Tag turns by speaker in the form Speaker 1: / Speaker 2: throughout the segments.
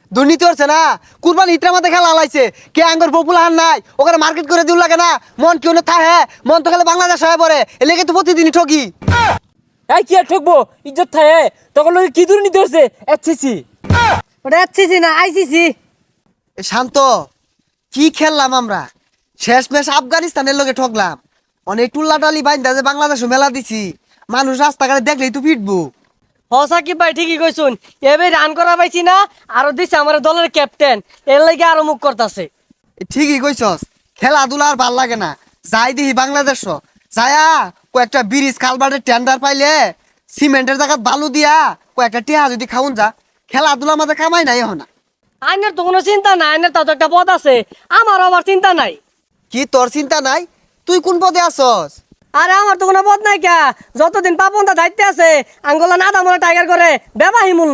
Speaker 1: দুর্নীতি হচ্ছে না। কুরবানি ইত্রা মধ্যে খেলা লাইছে কে আঙ্গর পপুলার নাই ওখানে মার্কেট করে দিউ লাগে না। মন কেউ না থাহে মন তো খেলে বাংলাদেশ হয়ে পড়ে এলাকে তো প্রতিদিনই ঠকি।
Speaker 2: এই কি আর ঠকবো ইজ্জত থাকে তখন লোকে কি দুর্নীতি হচ্ছে এসসিসি
Speaker 3: ওটা এসসিসি না আইসিসি।
Speaker 1: শান্ত কি খেললাম আমরা শেষ ম্যাচ আফগানিস্তানের লোকে ঠকলাম অনেক টুল্লাটালি বাইন্দা যে বাংলাদেশও মেলা দিছি মানুষ রাস্তাঘাটে দেখলেই তো পিটবো।
Speaker 3: সাকিব ভাই ঠিকই কইছুন এবার রান করা পাইছি না আরো দিছে আমার দলের ক্যাপ্টেন এর লাগে আরো মুখ করতেছে।
Speaker 1: ঠিকই কইছস খেলাধুলা আর ভাল লাগে না যাই দিহি বাংলাদেশ যায়া কয়েকটা ব্রিজ কালভার্টের টেন্ডার পাইলে সিমেন্টের জায়গা বালু দিয়া কয়েকটা টিহা যদি খাউন যা খেলাধুলা আমাদের কামাই নাই এখন।
Speaker 3: আইনের তো কোনো চিন্তা নাই আইনের তো একটা পদ আছে আমার আবার চিন্তা নাই।
Speaker 1: কি তোর চিন্তা নাই তুই কোন পদে আছস?
Speaker 3: আরে আমার তো কোনো পদ নাই কে যতদিন পাপনটা দায়িত্বে আছে আঙ্গলা না দামরা টাইগার করে ব্যবাহী মূল্য।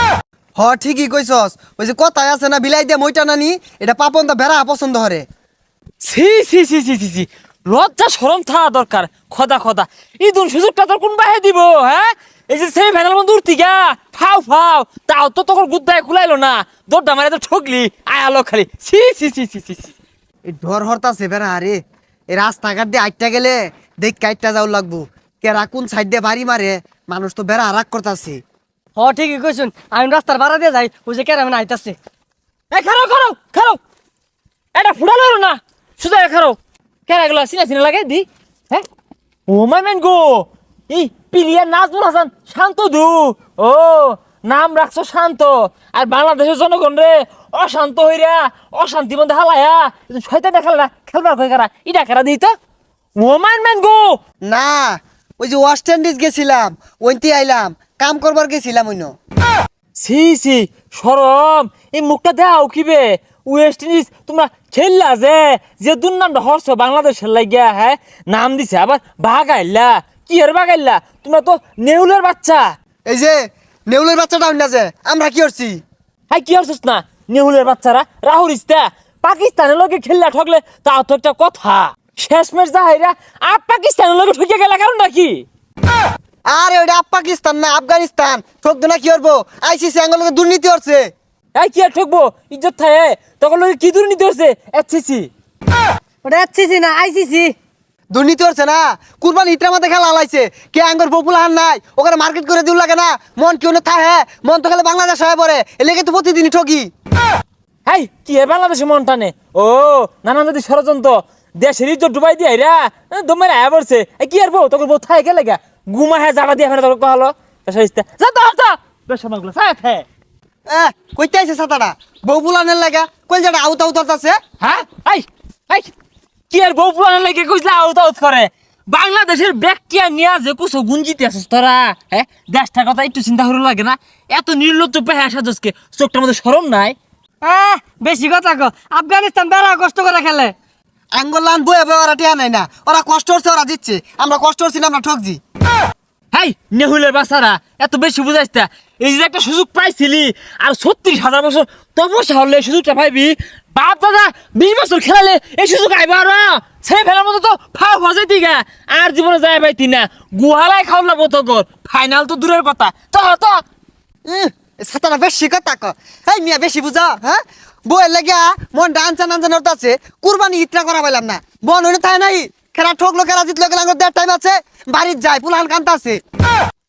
Speaker 1: হ ঠিকই কইছস ওই যে কথায় আছে না বিলাই দিয়ে মইটা নানি এটা পাপন দা বেড়া পছন্দ হরে।
Speaker 2: সি সি সি সি সি সি লজ্জা শরম থাকা দরকার খোদা খোদা ইদুন সুযোগটা তোর কোন বাহে দিব হ্যাঁ এই যে সেই ভ্যানাল বন্ধু উঠতিগা ফাও ফাও তাও তো তোর গুদ্দায় খুলাইলো না দৌড়টা মারে তো ঠকলি আয় আলো খালি সি সি সি সি সি সি
Speaker 1: এই ডর হরতাছে বেড়া আরে এই রাস্তাঘাট দিয়ে আইটা গেলে দেখ কাইটটা যাও লাগবো কেরা কোন সাইড দিয়ে বাড়ি মারে মানুষ তো বেড়া আরাক করতাছে।
Speaker 3: ঠিকই কইছুন আমি রাস্তার ভাড়া দিয়ে যাই ওই যে কেরামেন আইতাছে।
Speaker 2: এই খারো খারো খারো এটা ফুড়ালো না সুজা খারো কেরা গুলো চিনা চিনা লাগে দি হ্যাঁ ও মাই ম্যান গো এই পিলিয়ার নাজমুল হাসান শান্ত দু ও নাম রাখছো শান্ত আর বাংলাদেশের জনগণ রে অশান্ত হইরা অশান্তি মধ্যে হালায়া শয়তান খেলা খেলবার কই কারা ইটা কারা দিই তো ও মাই ম্যান গো
Speaker 1: না ওই যে ওয়েস্ট ইন্ডিজ গেছিলাম ওইতে আইলাম কাম করবার গেছিলাম ওইন।
Speaker 2: সি সি শরম এই মুখটা দেও কিবে ওয়েস্ট ইন্ডিজ তোমরা খেললা যে যে দুর্নামটা হরছ বাংলাদেশের লাগিয়া হ্যাঁ নাম দিছে আবার বাগাইলা কি আর বাগাইলা তোমরা তো নেউলের বাচ্চা।
Speaker 1: এই যে নেউলের বাচ্চাটা হইনা যে আমরা কি করছি?
Speaker 2: হ্যাঁ কি হরছিস না নেউলের বাচ্চারা রাহুল ইস্তা পাকিস্তানের লগে খেললা ঠকলে তাও তো একটা কথা শেষ ম্যাচ যাহাইরা আর পাকিস্তানের লগে ঠকে গেলা কারণটা কি?
Speaker 1: আরে ওইটা পাকিস্তান না আফগানিস্তান ঠকতো না কি করবো আইসিসি আঙ্গলকে দুর্নীতি হচ্ছে।
Speaker 2: এই কি আর ঠকবো ইজ্জত থাকে তখন লগে কি দুর্নীতি হচ্ছে এসসিসি
Speaker 3: ওটা এসসিসি না আইসিসি।
Speaker 1: দুর্নীতি হচ্ছে না। কুরবানি ইত্রা মধ্যে খেলা লাইছে কে আঙ্গর পপুলার নাই ওখানে মার্কেট করে দিউ লাগে না। মন কেউ না থাহে মন তো খেলে বাংলাদেশ হয়ে পড়ে এলাকে তো প্রতিদিনই ঠকি।
Speaker 2: হাই কি এ বাংলাদেশে মন টানে ও নানান যদি ষড়যন্ত্র দেশের ইজ্জত ডুবাই দিয়ে রা দমের আয়া পড়ছে কি আর বউ তোকে বউ থাই গেলে গা গুমা হ্যাঁ জানা দিয়ে ফেলে তোকে কহলো যা তো যা বেশমাগুলো সাথ হ্যাঁ
Speaker 1: কইতে আইছে ছাতাটা বউ বুলানের লাগা কই যাটা আউট আউট আছে।
Speaker 2: হ্যাঁ এই এই কি আর বউ পুরানো লাগে কইলা আউট আউট করে বাংলাদেশের ব্যাকটিয়া নিয়া যে কুছো গুঞ্জিতে আছিস তোরা হ্যাঁ দেশটার কথা একটু চিন্তা করে লাগে না এত নির্লজ্জ পেহে আসা দোষকে চোখটার মধ্যে শরম নাই।
Speaker 3: বেশি কথা কো আফগানিস্তান বেড়া কষ্ট করে খেলে
Speaker 1: আঙ্গলান বয়ে বয়ে ওরা টিয়া নাই না ওরা কষ্ট হচ্ছে ওরা দিচ্ছে আমরা কষ্ট হচ্ছি না আমরা ঠকছি।
Speaker 2: হাই নেহুলের বাসারা এত বেশি বুঝাইস না এই যে একটা সুযোগ পাইছিলি আর 36,000 বছর তপস্যা হলে এই সুযোগটা পাইবি বাপ দাদা 20 বছর খেলালে এই সুযোগ আইবা আর ছেলে ফেলার মতো তো ফাও হয়ে দিগা আর জীবনে যায় পাইতি না গুহালায় খাওয়া লাগবো তোর ফাইনাল তো দূরের কথা তো তো
Speaker 1: ছাতাটা বেশি কথা ক এই মিয়া বেশি বুঝা হ্যাঁ বউয়ের লাগিয়া মন ডান্সা নাঞ্চান আছে কুরবানি ইত্রা করা পাইলাম না বন হইলে তাই নাই খেলা ঠকলো খেলা জিতলো গেলাম দেড় টাইম আছে বাড়ির যায় পুলান কান্তা আছে।